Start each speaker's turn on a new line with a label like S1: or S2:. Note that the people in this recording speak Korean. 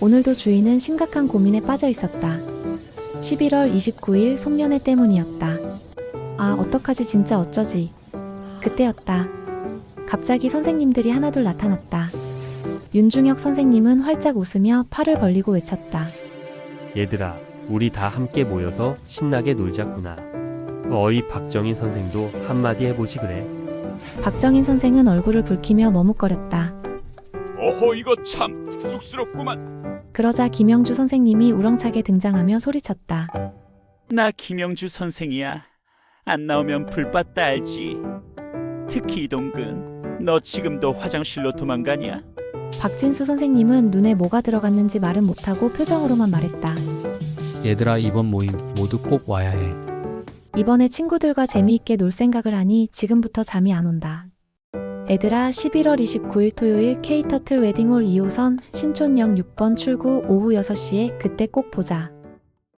S1: 오늘도 주인은 심각한 고민에 빠져 있었다. 11월 29일 송년회 때문이었다. 아, 어떡하지, 진짜 어쩌지. 그때였다. 갑자기 선생님들이 하나둘 나타났다. 윤중혁 선생님은 활짝 웃으며 팔을 벌리고 외쳤다.
S2: 얘들아, 우리 다 함께 모여서 신나게 놀자꾸나. 어이, 박정인 선생도 한마디 해보지 그래.
S1: 박정인 선생은 얼굴을 붉히며 머뭇거렸다.
S3: 어허, 이거 참 쑥스럽구만.
S1: 그러자 김영주 선생님이 우렁차게 등장하며 소리쳤다.
S4: 나 김영주 선생이야. 안 나오면 불받다 알지. 특히 이동근, 너 지금도 화장실로 도망가냐?
S1: 박진수 선생님은 눈에 뭐가 들어갔는지 말은 못하고 표정으로만 말했다.
S5: 얘들아, 이번 모임 모두 꼭 와야 해.
S1: 이번에 친구들과 재미있게 놀 생각을 하니 지금부터 잠이 안 온다. 애들아, 11월 29일 토요일 K터틀 웨딩홀 2호선 신촌역 6번 출구 오후 6시에 그때 꼭 보자.